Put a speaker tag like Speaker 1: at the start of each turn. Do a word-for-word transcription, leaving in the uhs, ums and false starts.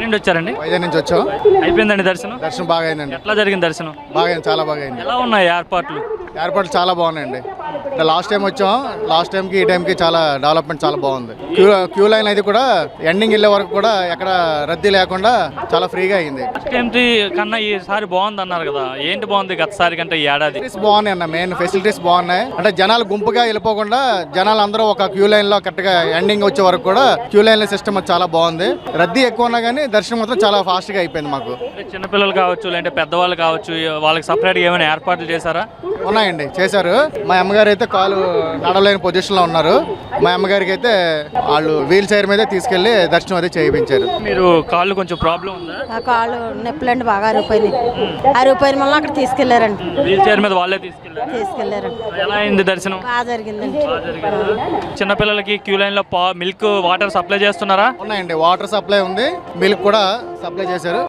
Speaker 1: నుండి వచ్చారండి?
Speaker 2: వైజాగ్ నుంచి వచ్చాం.
Speaker 1: అయిపోయిందండి దర్శనం?
Speaker 2: దర్శనం బాగా అయిందండి.
Speaker 1: ఎట్లా జరిగింది దర్శనం?
Speaker 2: బాగా అయింది, చాలా బాగా అయింది.
Speaker 1: ఎలా ఉన్నాయి ఏర్పాట్లు?
Speaker 2: ఏర్పాట్లు చాలా బాగున్నాయండి. లాస్ట్ టైం వచ్చాం, లాస్ట్ టైంకి ఈ టైంకి చాలా డెవలప్మెంట్ చాలా బాగుంది. క్యూ క్యూ లైన్ అది కూడా ఎండింగ్ వెళ్ళే వరకు కూడా ఎక్కడ రద్దీ లేకుండా చాలా ఫ్రీగా అయింది.
Speaker 1: ఫస్ట్ టైం కన్నా ఈసారి బాగుంది అన్నారు కదా, ఏంటి బాగుంది గతసారి కంటే ఈ ఏడాది?
Speaker 2: ఫెసిలిటీస్ బాగున్నాయి అన్న, మెయిన్ ఫెసిలిటీస్ బాగున్నాయి. అంటే జనాలు గుంపుగా వెళ్ళిపోకుండా జనాలు అందరూ ఒక క్యూ లైన్ లో కరెక్ట్ గా ఎండింగ్ వచ్చే వరకు కూడా క్యూ లైన్ లో సిస్టమ్ చాలా బాగుంది. రద్దీ ఎక్కువ ఉన్నా కానీ దర్శనం మాత్రం చాలా ఫాస్ట్ గా అయిపోయింది మాకు.
Speaker 1: చిన్నపిల్లలు కావచ్చు, లేదంటే పెద్దవాళ్ళు కావచ్చు, వాళ్ళకి సపరేట్ గా ఏమైనా ఏర్పాట్లు చేశారా?
Speaker 2: ఉన్నాయండి, చేశారు. మా అమ్మగారు అయితే కాలు నడవలేని పొజిషన్ లో ఉన్నారు. మా అమ్మగారికి అయితే వాళ్ళు వీల్ చైర్ మీద తీసుకెళ్లి దర్శనం అయితే చేయించారు.
Speaker 1: మీరు కాళ్ళు కొంచెం ప్రాబ్లం ఉందా?
Speaker 3: ఆ కాళ్ళు నొప్పులండి, బాగా అరిగిపోయినాయి. అరిగిపోయిన వల్ల అక్కడ తీసుకెళ్లారండి.
Speaker 1: వీల్ చైర్ మీద వాళ్ళే తీసుకెళ్లారు
Speaker 3: తీసుకెళ్లారండి.
Speaker 1: ఎలా అయింది దర్శనం?
Speaker 3: బాగా జరిగిందండి.
Speaker 1: చిన్నపిల్లలకి క్యూ లైన్ లో మిల్క్ వాటర్ సప్లై చేస్తున్నారా?
Speaker 2: ఉన్నాయండి, వాటర్ సప్లై ఉంది, మిల్క్ కూడా సప్లై చేశారు.